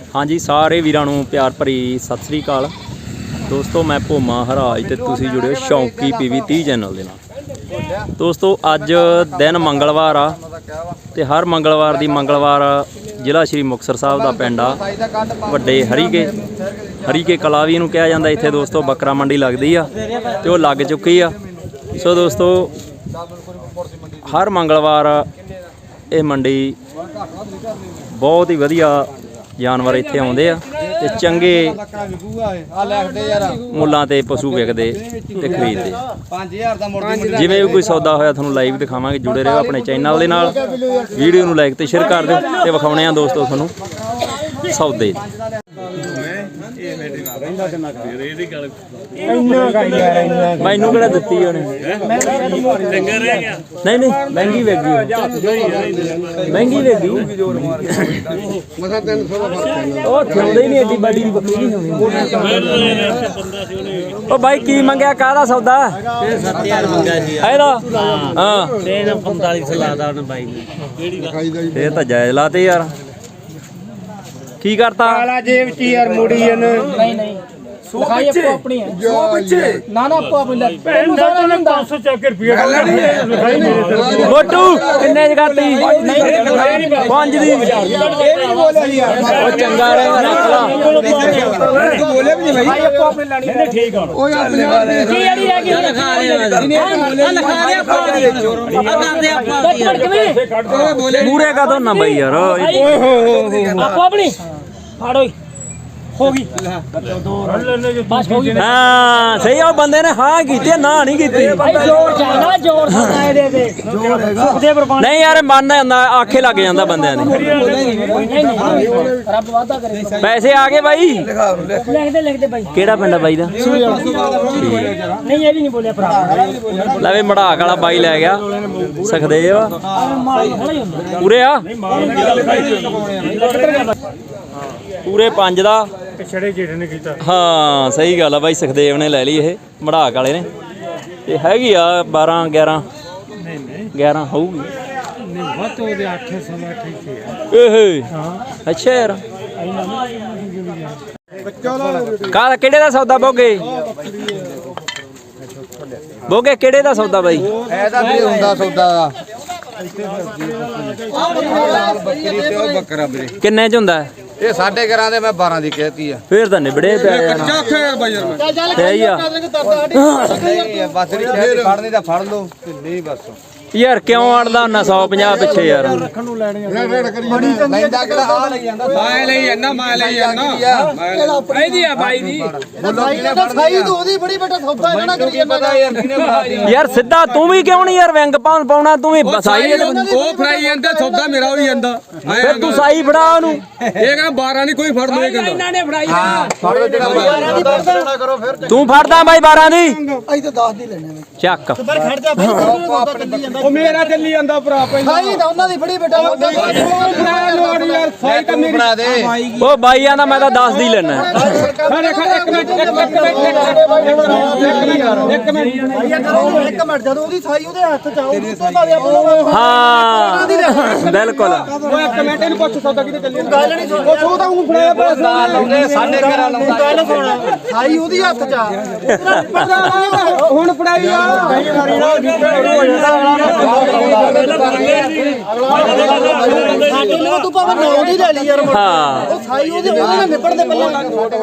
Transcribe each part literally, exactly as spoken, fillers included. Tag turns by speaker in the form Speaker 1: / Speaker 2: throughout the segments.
Speaker 1: हाँ जी सारे वीरां नूं प्यार भरी सत श्री अकाल दोस्तों। मैं भोमा हराज ते तुसीं जुड़े हो शौकी पीवी तीह चैनल दे नाल। दोस्तों अज दिन मंगलवार आ ते हर मंगलवार दी मंगलवार जिला श्री मुक्तसर साहब दा पिंड आ वड्डे हरीके हरीके कला भी इहनूं कहा जांदा। इत्थे दोस्तों बकरा मंडी लगदी आ ते ओह लग चुकी आ। सो दोस्तों हर मंगलवार ये मंडी बहुत ही वधिया जानवर इत्थे आउंदे आ ते चंगे मुल्लां ते पशु विकदे ते खरीददे। जिवें भी कोई सौदा होया तुहानूं लाइव दिखावांगे। जुड़े रहो अपने चैनल दे नाल, वीडियो नूं लाइक ते शेयर कर दिओ ते विखाउणे आ दोस्तों तुहानूं सौदे। मैनू किहड़ा दित्ती उहने? नहीं नहीं महंगी वेगी महंगी वेगी ਉਹ ਥਿਉਂਦੇ ਹੀ ਨਹੀਂ ਐਡੀ ਬਾਡੀ ਦੀ ਬੱਕਰੀ ਨਹੀਂ ਹੋਣੀ। ਉਹ ਬਾਈ ਕੀ ਮੰਗਿਆ ਕਾਹਦਾ ਸੌਦਾ? ਇਹ ਸੱਤ ਹਜ਼ਾਰ ਮੰਗਿਆ ਸੀ ਇਹਦਾ। ਹਾਂ ਤੇ ਇਹਦਾ ਪੰਤਾਲੀ ਸੌ ਲਾਦਾ ਉਹਨੇ ਬਾਈ ਨੇ। ਇਹ ਤਾਂ ਜਾਇਜ਼ ਲਾਤੇ ਯਾਰ। ਕੀ ਕਰਤਾ? ਕਾਲਾ ਜੇਬ ਚ ਯਾਰ ਮੁੜੀ ਇਹਨੇ। ਨਹੀਂ ਨਹੀਂ ਲਿਖਾਈ ਆਪੋ ਆਪਣੀ ਹੈ। ਜੋ ਬੱਚੇ ਨਾ ਨਾ ਆਪੋ ਆਪਣੀ ਲੈ ਤੈਨੂੰ ਸਾਰਾ ਨਹੀਂ ਪੰਜ ਸੌ ਚੱਕ ਰੁਪਏ ਲਿਖਾਈ ਨਹੀਂ। ਮੋਟੂ ਕਿੰਨੇ ਚ ਕਰਤੀ? ਪੰਜ ਦੀ। ਇਹ ਨਹੀਂ ਬੋਲਿਆ ਯਾਰ। ਉਹ ਚੰਗਾ ਰਹਿ ਨਾ ਬੋਲੇ ਵੀ ਨਹੀਂ ਭਾਈ। ਆਪੋ ਆਪਣੀ ਲੈਣੀ ਹੈ। ਠੀਕ ਆ ਓਏ ਆਪਣੇ ਕੀ ਯਾਰੀ ਰਹਿ ਗਈ? ਲਿਖਾ ਦੇ ਆ ਲਿਖਾ ਦੇ ਆਪੋ ਆਪਣੀ ਆ ਕਰਦੇ ਆਪਾਂ ਬੋਲੇ ਮੂਰੇ ਕਾ ਦੋ ਨਾ ਬਈ ਯਾਰ। ਓਏ ਹੋ ਹੋ ਆਪੋ ਆਪਣੀ ਫਾੜੋ होगी बस होगी। हाँ सही है। बंदे ने हाँ की ना नहीं की नहीं यार मन आखे लग जाता बंदे ने। पैसे आ गए भाई? लिखते लिखते भाई केड़ा पिंड बाई दा? नहीं ये भी नहीं बोलिया भरा। लवे मड़ाक वाला बाई लै गया सखदेव पूरे आ पूरे पंज दा छड़े जेठ ने कीता। हाँ सही गल है भाई सुखदेव ने लै ली ये मड़ाक वाले ने। ते हैगी आ बारह ग्यारह ग्यारह होगी। अच्छा यार का केड़े दा सौदा बोगे? बोगे केड़े दा सौदा भाई? ऐदा भी हुंदा सौदा किन्ने च हुंदा? ਇਹ ਸਾਢੇ ਗਿਆਰਾਂ ਦੇ ਮੈਂ ਬਾਰਾਂ ਦੀ ਕਹਿਤੀ ਆ। ਫੇਰ ਤਾਂ ਨਿਬੜੇ ਪਿਆ ਕੱਚਾ ਫੇਰ ਬਾਈ ਯਾਰ ਮੈਂ ਸਹੀ ਆ। ਨਹੀਂ ਬਸ ਨਹੀਂ ਫੜਨੀ ਤਾਂ ਫੜ ਲਓ ਤੇ ਨਹੀਂ ਬਸ ਯਾਰ ਕਿਉਂ ਅੜਦਾ ਹੁੰਦਾ ਸੌ ਪੰਜਾਹ ਪਿੱਛੇ ਯਾਰ। ਰੱਖਣ ਨੂੰ ਲੈਣੀ ਆ ਲੈਂਦਾ ਕਿਹੜਾ ਆ ਲਈ ਜਾਂਦਾ ਮੈਂ ਲਈ ਜਾਂਦਾ ਮੈਂ ਲਈ ਜਾਂਦਾ ਇਹਦੀ ਆ ਬਾਈ ਦੀ ਸਾਈ ਤੂੰ ਉਹਦੀ ਬੜੀ ਬੇਟਾ ਸੌਦਾ ਇਹਨਾਂ ਕਰੀ ਜਾਂਦਾ ਯਾਰ। ਯਾਰ ਸਿੱਧਾ ਤੂੰ ਵੀ ਕਿਉਂ ਨਹੀਂ ਯਾਰ ਵਿੰਗ ਪਾਉਣ ਪਾਉਣਾ ਤੂੰ ਵੀ ਸਾਈ ਉਹ ਫੜਾਈ ਜਾਂਦਾ ਸੌਦਾ ਮੇਰਾ ਹੋਈ ਜਾਂਦਾ। ਫਿਰ ਤੂੰ ਸਾਈ ਫੜਾ ਉਹਨੂੰ। ਇਹ ਕਹਿੰਦਾ ਬਾਰਾਂ ਨਹੀਂ ਕੋਈ ਫੜ ਲੋ ਇਹ ਕਹਿੰਦਾ ਇਹਨਾਂ ਨੇ ਫੜਾਈ ਫੜ ਲੋ ਜਿਹੜਾ ਬਾਰਾਂ ਦੀ ਫੜਦਾ ਕਰੋ। ਫਿਰ ਤੂੰ ਫੜਦਾ ਬਾਈ ਬਾਰਾਂ ਦੀ ਅਸੀਂ ਤਾਂ ਦਸ ਦੀ ਲੈਣੇ ਚੱਕ। ਪਰ ਖੜ ਜਾ ਬਾਈ ਉਹ ਮੇਰਾ ਚੱਲੀ ਜਾਂਦਾ ਭਰਾ ਪਹਿਲਾਂ ਸਾਈ ਤਾਂ ਉਹਨਾਂ ਦੀ ਫੜੀ ਬੇਟਾ ਲੋੜ ਯਾਰ ਸਾਈ ਤਾਂ ਮੇਰੀ ਫੜਾ ਦੇ। ਉਹ ਬਾਈਆਂ ਦਾ ਮੈਂ ਤਾਂ ਦਸ ਦੀ ਲੈਣਾ। ਖੜੇ ਖੜੇ ਇੱਕ ਮਿੰਟ ਇੱਕ ਮਿੰਟ ਇੱਕ ਮਿੰਟ ਇੱਕ ਮਿੰਟ ਜਦੋਂ ਉਹਦੀ ਸਾਈ ਉਹਦੇ ਹੱਥ ਚ ਆਉ ਤੋਂ ਭਾਵੇਂ ਆਪਣਾ ਹਾਂ ਬਿਲਕੁਲ। ਉਹ ਇੱਕ ਮਿੰਟ ਇਹਨੂੰ ਪੁੱਛ ਸੌਦਾ ਕਿਤੇ ਚੱਲੀ ਗੱਲ ਨਹੀਂ ਉਹ ਸੌ ਤਾਂ ਉਹ ਫੜਾਇਆ ਪੈਸਾ ਲਾਉਂਦੇ ਸਾਡੇ ਘਰ ਲਾਉਂਦਾ ਗੱਲ ਸੁਣ ਸਾਈ ਉਹਦੀ ਹੱਥ ਚ ਆ ਹੁਣ ਫੜਾਈ ਆ ਸਾਡੇ ਨੂੰ ਤੂੰ ਭਾਵੇਂ ਨੌ ਦੀ ਲੈ ਲਈ ਯਾਰ। ਹਾਂ ਉਹ ਸਾਈ ਉਹਦੇ ਉਹਦੇ ਨਾਲ ਨਿਪੜਦੇ ਪਹਿਲਾਂ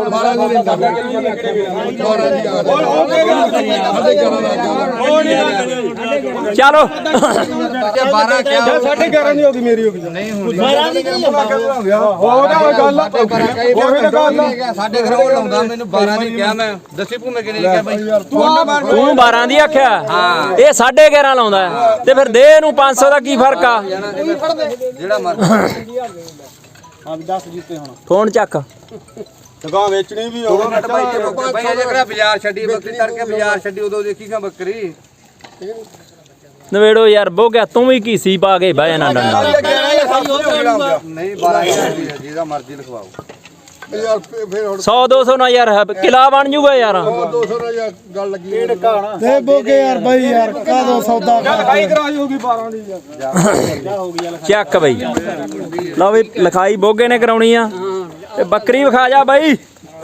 Speaker 1: ਚਲੋ ਬਾਰਾਂ ਕਿਹਾ ਸਾਢੇ ਗਿਆਰਾਂ ਦੀ ਹੋ ਗਈ ਮੇਰੀ ਹੋ ਗਈ ਨਹੀਂ ਹੁੰਦੀ ਬਾਰਾਂ ਦੀ ਕਿਉਂ ਹੋਗਾ ਗੱਲ ਉਹੀ ਤਾਂ ਗੱਲ ਸਾਡੇ ਘਰ ਉਹ ਲਾਉਂਦਾ ਮੈਨੂੰ ਬਾਰਾਂ ਦੀ ਕਿਹਾ ਮੈਂ ਦੱਸੀ ਭੂਮੇ ਕਿਨੇ ਕਿਹਾ ਬਾਈ ਤੂੰ ਬਾਰਾਂ ਦੀ ਆਖਿਆ। ਹਾਂ ਇਹ ਸਾਢੇ ਗਿਆਰਾਂ ਲਾਉਂਦਾ ਤੇ ਫਿਰ ਦੇ ਨੂੰ ਪੰਜ ਸੌ ਦਾ ਕੀ ਫਰਕ ਆ? ਜਿਹੜਾ ਮਰ ਹਾਂ ਦਸ ਜੀਤੇ ਹੁਣ ਫੋਨ ਚੱਕ ਦੁਕਾਨ ਵੇਚਣੀ ਵੀ ਹੋਵੇ ਬਾਈ ਬਾਈ ਅਜੇ ਕਿਹੜਾ ਬਾਜ਼ਾਰ ਛੱਡੀ ਬੱਕਰੀ ਤੜਕੇ ਬਾਜ਼ਾਰ ਛੱਡੀ ਉਦੋਂ ਦੇਖੀਗਾ ਬੱਕਰੀ ਨਵੇੜੋ ਯਾਰ ਬੋ ਗਿਆ ਤੂੰ ਵੀ ਕੀ ਸੀ ਪਾ ਕੇ ਬਹਿ ਨਾ ਡੰਡਾ ਨਹੀਂ ਬਾਰਾਂ ਜਿਹਦਾ ਮਰਜ਼ੀ ਲਿਖਵਾਓ यार फिर सौ दो सौ ना यार किला बन जूगा यार दो सौ ना यार गल लगी ते बोगे यार भाई यार का दो सौदा लिखाई कराई होगी बारह दी यार हो गया चेक भाई लो भी लिखाई बोगे ने कराउणी आ
Speaker 2: ਤੇ ਬੱਕਰੀ ਵਿਖਾ ਜਾ ਬਾਈ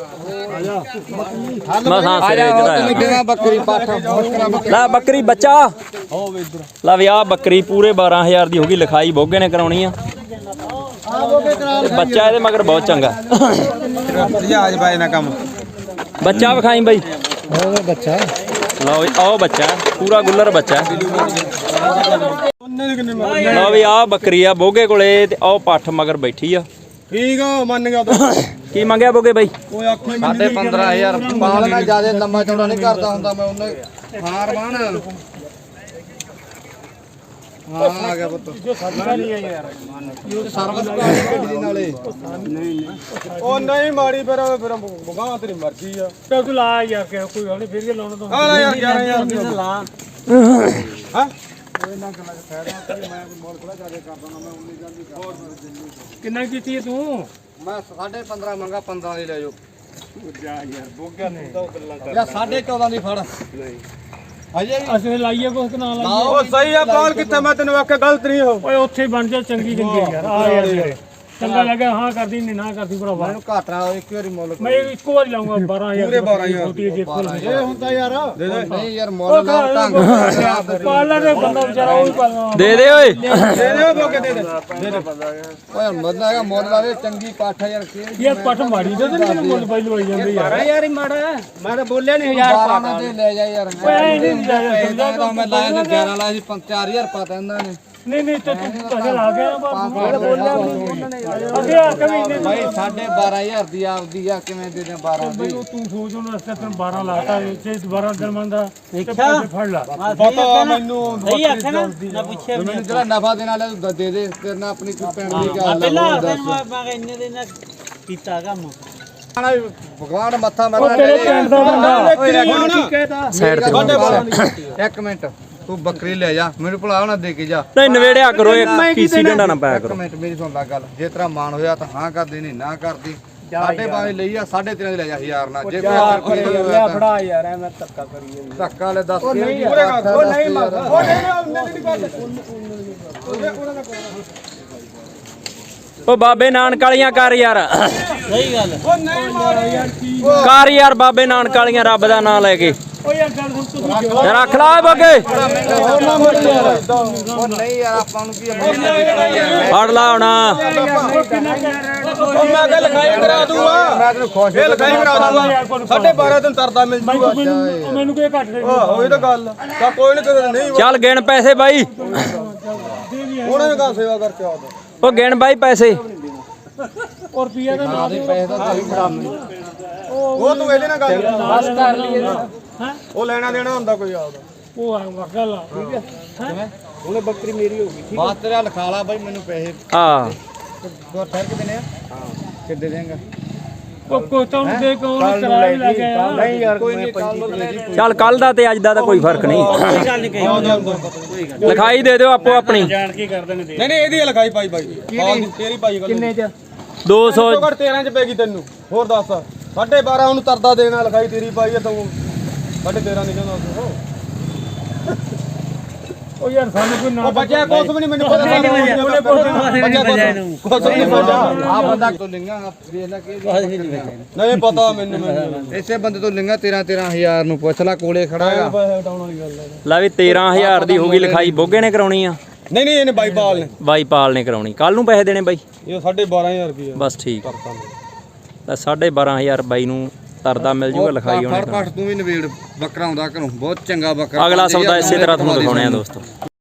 Speaker 2: ਮਸਾਂ ਸਿਰੇ ਚੜਾਇਆ
Speaker 1: ਬੱਕਰੀ ਪਾਠ
Speaker 2: ਲੈ ਬੱਕਰੀ ਬੱਚਾ ਲੈ ਵੀ ਆ ਬੱਕਰੀ ਪੂਰੇ ਬਾਰਾਂ ਹਜ਼ਾਰ ਦੀ ਹੋ ਗਈ ਲਿਖਾਈ ਬੋਗੇ ਨੇ ਕਰਾਉਣੀ ਆ ਬੱਚਾ ਇਹਦੇ ਮਗਰ ਬਹੁਤ ਚੰਗਾ
Speaker 1: ਜਹਾਜ਼ ਬਾਏ ਨਾ ਕੰਮ
Speaker 2: ਬੱਚਾ ਵਿਖਾਈ ਬਾਈ
Speaker 1: ਬੱਚਾ
Speaker 2: ਲਓ ਆਓ ਬੱਚਾ ਪੂਰਾ ਗੁੱਲਰ ਬੱਚਾ ਲਓ ਵੀ ਆ ਬੱਕਰੀ ਆ ਬੋਗੇ ਕੋਲੇ ਤੇ ਆਓ ਪੱਠ ਮਗਰ ਬੈਠੀ ਆ
Speaker 1: ਠੀਕ ਆ ਮੰਨ ਗਿਆ
Speaker 2: ਕੀ ਮੰਗਿਆ ਬੋਗੇ ਬਾਈ
Speaker 1: ਓਏ ਆਖੇ ਸਾਢੇ ਪੰਦਰਾਂ ਹਜ਼ਾਰ ਪਾਲ ਮੈਂ ਜਿਆਦਾ ਲੰਮਾ ਚੌੜਾ ਨਹੀਂ ਕਰਦਾ ਹੁੰਦਾ ਮੈਂ ਉਹਨੇ ਹਾਰ ਬਾਣ ਹਾਂ ਆ ਗਿਆ ਪੁੱਤ ਜੋ ਸਾਡਾ ਨਹੀਂ ਹੈ ਯਾਰ ਇਹ ਸਰਵਿਸ ਕਰ ਗੱਡੀ ਨਾਲੇ ਨਹੀਂ ਉਹ ਨਹੀਂ ਮਾੜੀ ਫਿਰ ਫਿਰ ਬਗਾ ਤੇਰੀ ਮਰਜ਼ੀ ਆ
Speaker 3: ਤੇ ਤੂੰ ਲਾ ਯਾਰ ਕਿ ਕੋਈ ਗੱਲ ਨਹੀਂ ਫਿਰ ਕੇ ਲਾਉਣਾ
Speaker 1: ਆ ਲੈ ਯਾਰ ਗਿਆਰਾਂ ਹਜ਼ਾਰ ਦੀ ਲਾ ਹਾਂ ਕੋਈ ਨਾ ਗੱਲਾਂ ਫਾਇਦਾ ਮੈਂ ਮੋਲ ਕੋਲ ਜਾ ਕੇ ਕਰਦਾ ਨਾ ਮੈਂ ਉਨੀ ਜਲਦੀ ਕਰ
Speaker 3: ਕਿੰਨਾ ਕੀਤੀ ਤੂੰ
Speaker 1: ਮੈਂ ਸਾਢੇ ਪੰਦਰਾਂ ਮੰਗਾ ਪੰਦਰਾਂ ਦੀ ਲੈ ਜਾਓ
Speaker 3: ਜਾ ਯਾਰ ਬੋਗਾ ਨੇ
Speaker 1: ਯਾ ਸਾਢੇ ਚੌਦਾਂ ਦੀ ਫੜ ਨਹੀਂ ਅਜੇ
Speaker 3: ਅਸੀਂ ਲਾਈਏ ਕੁਛ ਨਾ ਲਾਈਏ
Speaker 1: ਉਹ ਸਹੀ ਆ ਪਾਲ ਕਿੱਥੇ ਮੈਂ ਤੈਨੂੰ ਆਖਿਆ ਗਲਤ ਨਹੀਂ ਹੋ
Speaker 3: ਓਏ ਉੱਥੇ ਬਣ ਜਾ ਚੰਗੀ ਚੰਗੀ ਯਾਰ ਆ ਯਾਰ ਚੰਗਾ ਲੱਗਾ ਹਾਂ ਕਰਦੀ ਨਹੀਂ ਨਾ ਕਰਦੀ ਭਰਾਵਾ
Speaker 1: ਮੈਨੂੰ ਘਾਟਾ ਇੱਕ ਵਾਰੀ ਮੁੱਲ
Speaker 3: ਮੈਂ ਇੱਕੋ ਵਾਰੀ ਲਾਉਂਗਾ ਬਾਰਾਂ ਹਜ਼ਾਰ
Speaker 1: ਪੂਰੇ ਬਾਰਾਂ ਹਜ਼ਾਰ
Speaker 3: ਛੋਟੀ ਜਿਹੀ ਕੋਲ
Speaker 1: ਇਹ ਹੁੰਦਾ ਯਾਰ ਦੇ ਦੇ ਨਹੀਂ ਯਾਰ ਮੁੱਲ ਲਾ ਢੰਗ
Speaker 3: ਪਾਲਣਾ ਦੇ ਬੰਦਾ ਵਿਚਾਰਾ ਉਹ ਹੀ ਪਾਲਣਾ
Speaker 2: ਦੇ ਦੇ ਓਏ
Speaker 1: ਦੇ ਦੇ ਉਹ ਬੋਕੇ ਦੇ ਦੇ ਦੇ ਦੇ ਓਏ ਮਦਨਾ ਹੈਗਾ ਮੁੱਲ ਲਾਵੇ ਚੰਗੀ ਪਾਠ ਯਾਰ ਕੀ
Speaker 3: ਇਹ ਪੱਟ ਮਾੜੀ ਦੇ ਤੇ ਮੁੱਲ ਪਾਈ ਲਵਾਈ ਜਾਂਦੇ ਯਾਰ
Speaker 1: ਯਾਰ ਹੀ ਮਾੜਾ ਮੈਂ ਤਾਂ ਬੋਲਿਆ ਨਹੀਂ ਹਜ਼ਾਰ ਪਾਟਾ ਦੇ ਲੈ ਜਾ ਯਾਰ
Speaker 3: ਓਏ ਨਹੀਂ ਜਾਇਆ
Speaker 1: ਮੈਂ ਮੈਂ ਲਾਇਆ ਸੀ ਗਿਆਰਾਂ ਲਾਇਆ ਸੀ ਚਾਰ ਹਜ਼ਾਰ ਪਾਤਾ ਇਹਨਾਂ ਨੇ
Speaker 3: ਨਹੀਂ ਨਹੀਂ ਤੇ ਤੂੰ ਪੈਸੇ ਲਾ ਗਿਆ ਨਾ ਬੋਲਿਆ ਅੱਗੇ ਆ ਕਵੀ
Speaker 1: ਭਾਈ ਸਾਢੇ ਬਾਰਾਂ ਹਜ਼ਾਰ ਦੀ ਆਪਦੀ ਆ ਕਿਵੇਂ ਦੇ ਦੇ ਬਾਰਾਂ ਦੀ
Speaker 3: ਤੂੰ ਸੋਚ ਉਹਨਾਂ ਰਸਤੇ ਤੈਨੂੰ ਬਾਰਾਂ ਲਾਤਾ ਜੇ ਦੁਬਾਰਾ ਦਿਨ ਮੰਦਾ ਪੈਸੇ ਫੜ ਲਾ
Speaker 1: ਪਤਾ ਮੈਨੂੰ ਸਹੀ ਆਖਿਆ ਨਾ ਨਾ ਪੁੱਛਿਆ ਮੈਨੂੰ ਜਿਹੜਾ ਨਫਾ ਦੇਣ ਵਾਲਾ ਤੂੰ ਦੇ ਦੇ ਤੇਰੇ ਨਾਲ ਆਪਣੀ ਕੋਈ ਫੈਮਿਲੀ ਗੱਲ ਪਹਿਲਾਂ ਮੈਂ ਇੰਨੇ ਦਿਨ ਕੀਤਾ ਕੰਮ ਭਗਵਾਨ ਮੱਥਾ ਮਾਰਨਾ
Speaker 3: ਤੇਰੇ ਪਿੰਡ ਦਾ ਬੰਦਾ ਕੀ ਕਹਿਦਾ
Speaker 2: ਸਾਈਡ ਤੇ
Speaker 1: ਇੱਕ ਮਿੰਟ ਤੂੰ ਬੱਕਰੀ ਲੈ ਜਾ ਮੈਨੂੰ ਭੁਲਾ ਨਾ ਦੇ ਕੇ ਜਾ
Speaker 2: ਨਹੀਂ ਨਵੇੜਿਆ ਕਰੋ ਇਹ ਕੀਸੀ ਡੰਡਾ ਨਾ ਪਾਇਆ
Speaker 1: ਇੱਕ
Speaker 2: ਕਰੋ
Speaker 1: ਮਿੰਟ ਮੇਰੀ ਸੁਣ ਲੈ ਗੱਲ ਜੇ ਤੇਰਾ ਮਾਨ ਹੋਇਆ ਤਾਂ ਹਾਂ ਕਰਦੀ ਨਹੀਂ ਨਾ ਕਰਦੀ ਸਾਢੇ ਬਾਰਾਂ ਲਈ ਆ ਸਾਢੇ ਤੇਰਾਂ ਦੀ ਲੈ ਜਾ ਹਜ਼ਾਰ ਨਾਲ ਜੇ ਕੋਈ
Speaker 3: ਲੈ ਫੜਾ ਯਾਰ ਐ ਮੈਂ ਧੱਕਾ ਕਰੀ ਜਾਂਦਾ
Speaker 1: ਧੱਕਾ ਲੈ ਦੱਸ ਕੇ ਪੂਰੇ ਕਰ ਉਹ ਨਹੀਂ ਮੰਗਦਾ ਉਹ ਨਹੀਂ ਨਹੀਂ ਗੱਲ
Speaker 2: ਓ ਬਾਬੇ ਨਾਨਕ ਵਾਲੀਆਂ ਕਰ ਯਾਰ
Speaker 3: ਸਹੀ ਗੱਲ ਉਹ ਨਹੀਂ ਮਾਰ ਯਾਰ ਕੀ
Speaker 2: ਕਰ ਯਾਰ ਬਾਬੇ ਨਾਨਕ ਵਾਲੀਆਂ ਰੱਬ ਦਾ ਨਾਮ ਲੈ ਕੇ
Speaker 3: ਓ ਯਾਰ ਗੱਲ ਹੁਣ ਤੂੰ
Speaker 2: ਯਾਰ ਰੱਖ ਲਾ ਬੋਗੇ
Speaker 1: ਉਹ ਨਹੀਂ ਯਾਰ ਆਪਾਂ ਨੂੰ ਕੀ
Speaker 2: ਫੜ ਲਾ ਹੁਣ
Speaker 1: ਉਹ ਮੈਂ ਕਿਹਾ ਲਿਖਾਈ ਕਰਾ ਦੂੰਗਾ ਮੈਂ ਤੈਨੂੰ ਖੁਸ਼ ਇਹ ਲਿਖਾਈ ਕਰਾ ਦੂੰਗਾ ਸਾਢੇ ਬਾਰਾਂ ਦਿਨ ਤਰਦਾ ਮਿਲ ਜੂਗਾ
Speaker 3: ਮੈਨੂੰ ਕੀ ਘੱਟ ਦੇ
Speaker 1: ਆਹੋ ਇਹ ਤਾਂ ਗੱਲ ਤਾਂ ਕੋਈ ਨਹੀਂ ਨਹੀਂ
Speaker 2: ਚੱਲ ਗਿਣ ਪੈਸੇ ਬਾਈ
Speaker 1: ਉਹਨਾਂ ਨੇ ਕਾ ਸੇਵਾ ਕਰਕੇ ਆਉਂਦਾ
Speaker 2: ਉਹ ਗਿਣ ਬਾਈ ਪੈਸੇ
Speaker 3: ਔਰ ਰੁਪਈਆ ਦਾ ਨਾ ਦੇ
Speaker 1: ਪੈਸੇ ਤਾਂ ਤੇਰੀ ਫੜਾ ਮੈਨੂੰ ਉਹ ਤੂੰ ਇਹਦੇ ਨਾਲ ਗੱਲ ਬਸ ਕਰ ਲਈ
Speaker 3: ਹਾਂ
Speaker 1: ਉਹ ਲੈਣਾ ਦੇਣਾ ਹੁੰਦਾ ਕੋਈ ਆਪਦਾ
Speaker 3: ਉਹ ਆ ਗੱਲ ਆ ਠੀਕ ਹੈ ਉਹਨੇ ਬੱਕਰੀ ਮੇਰੀ ਹੋ ਗਈ
Speaker 1: ਬਾਤ ਤੇਰਾ ਲਿਖਾ ਲਾ ਬਾਈ ਮੈਨੂੰ ਪੈਸੇ
Speaker 2: ਆ
Speaker 1: ਦੋ ਠਹਿਰ ਕੇ ਦੇਣੇ ਆ ਕਿੱਦੇ ਦੇਂਗਾ
Speaker 3: ਉਹ ਕੋ ਤਾਂ ਦੇ ਕੋਲ ਕਰਾ ਹੀ ਲੱਗ ਗਿਆ
Speaker 1: ਨਹੀਂ ਯਾਰ ਕੋਈ ਨਹੀਂ ਕੱਲ
Speaker 2: ਚੱਲ ਕੱਲ ਦਾ ਤੇ ਅੱਜ ਦਾ ਤਾਂ ਕੋਈ ਫਰਕ ਨਹੀਂ
Speaker 3: ਕੋਈ ਗੱਲ ਨਹੀਂ ਕਹੀ
Speaker 2: ਲਿਖਾਈ ਦੇ ਦਿਓ ਆਪੋ ਆਪਣੀ
Speaker 3: ਜਾਣ ਕੀ ਕਰਦੇ ਨੇ
Speaker 1: ਨਹੀਂ ਨਹੀਂ ਇਹਦੀ ਲਿਖਾਈ ਪਾਈ ਬਾਈ ਤੇਰੀ ਪਾਈ ਗੱਲ ਕਿੰਨੇ ਚ
Speaker 2: ਦੋ ਸੌ
Speaker 1: ਘੱਟ ਤੇਰਾਂ ਚ ਪੈਗੀ ਤੈਨੂੰ ਹੋਰ ਦੱਸ ਸਾਢੇ ਬਾਰਾਂ ਉਹਨੂੰ ਤਰਦਾ ਦੇਣਾ ਲਿਖਾਈ ਤੇਰੀ ਪਾਈ ਆ ਤੂੰ ਸਾਢੇ ਤੇਰਾਂ ਨਹੀਂ ਕਹਿੰਦਾ
Speaker 3: ਉਹ ਯਾਰ ਸਾਨੂੰ ਕੋਈ ਨਾ
Speaker 1: ਉਹ ਬੱਚਾ ਕੁਛ ਵੀ ਨਹੀਂ ਮੈਨੂੰ ਪਤਾ
Speaker 3: ਉਹਨੇ
Speaker 1: ਕੁਛ ਵੀ ਨਹੀਂ ਆ ਬੰਦਾ ਤੋਂ ਲਿੰਗਾ ਵੇਖ ਲੈ ਕਿ ਨਹੀਂ ਪਤਾ ਮੈਨੂੰ ਮੈਨੂੰ ਇਸੇ ਬੰਦੇ ਤੋਂ ਲਿੰਗਾ ਤੇਰਾਂ ਤੇਰਾਂ ਹਜ਼ਾਰ ਨੂੰ ਪੁੱਛ ਲੈ ਕੋਲੇ ਖੜਾ ਹੈਗਾ
Speaker 3: ਪੈਸੇ ਹਟਾਉਣ ਵਾਲੀ ਗੱਲ ਹੈ
Speaker 2: ਲੈ ਵੀ ਤੇਰਾਂ ਹਜ਼ਾਰ ਦੀ ਹੋ ਗਈ ਲਿਖਾਈ ਬੋਗੇ ਨੇ ਕਰਾਉਣੀ ਆ
Speaker 1: ਨਹੀਂ ਨਹੀਂ ਇਹਨੇ ਬਾਈ ਬਾਲ ਨੇ
Speaker 2: ਬਾਈ ਪਾਲ ਨੇ ਕਰਾਉਣੀ ਕੱਲ ਨੂੰ ਪੈਸੇ ਦੇਣੇ ਬਾਈ
Speaker 1: ਇਹ ਸਾਢੇ ਬਾਰਾਂ ਹਜ਼ਾਰ ਰੁਪਏ
Speaker 2: ਬਸ ਠੀਕ ਤਾਂ ਸਾਢੇ ਬਾਰਾਂ ਹਜ਼ਾਰ ਬਾਈ ਨੂੰ ਤਰਦਾ ਮਿਲ ਜੂਗਾ ਲਿਖਾਈ ਹੋਣੀ
Speaker 1: ਫੜ ਫੜ ਤੂੰ ਵੀ ਨਵੇੜ ਬੱਕਰਾ ਆਉਂਦਾ ਘਰੋਂ ਬਹੁਤ ਚੰਗਾ ਬੱਕਰਾ
Speaker 2: ਅਗਲਾ ਸੌਦਾ ਇਸੇ ਤਰ੍ਹਾਂ ਤੁਹਾਨੂੰ ਦਿਖਾਉਣੇ ਆ ਦੋਸਤੋ।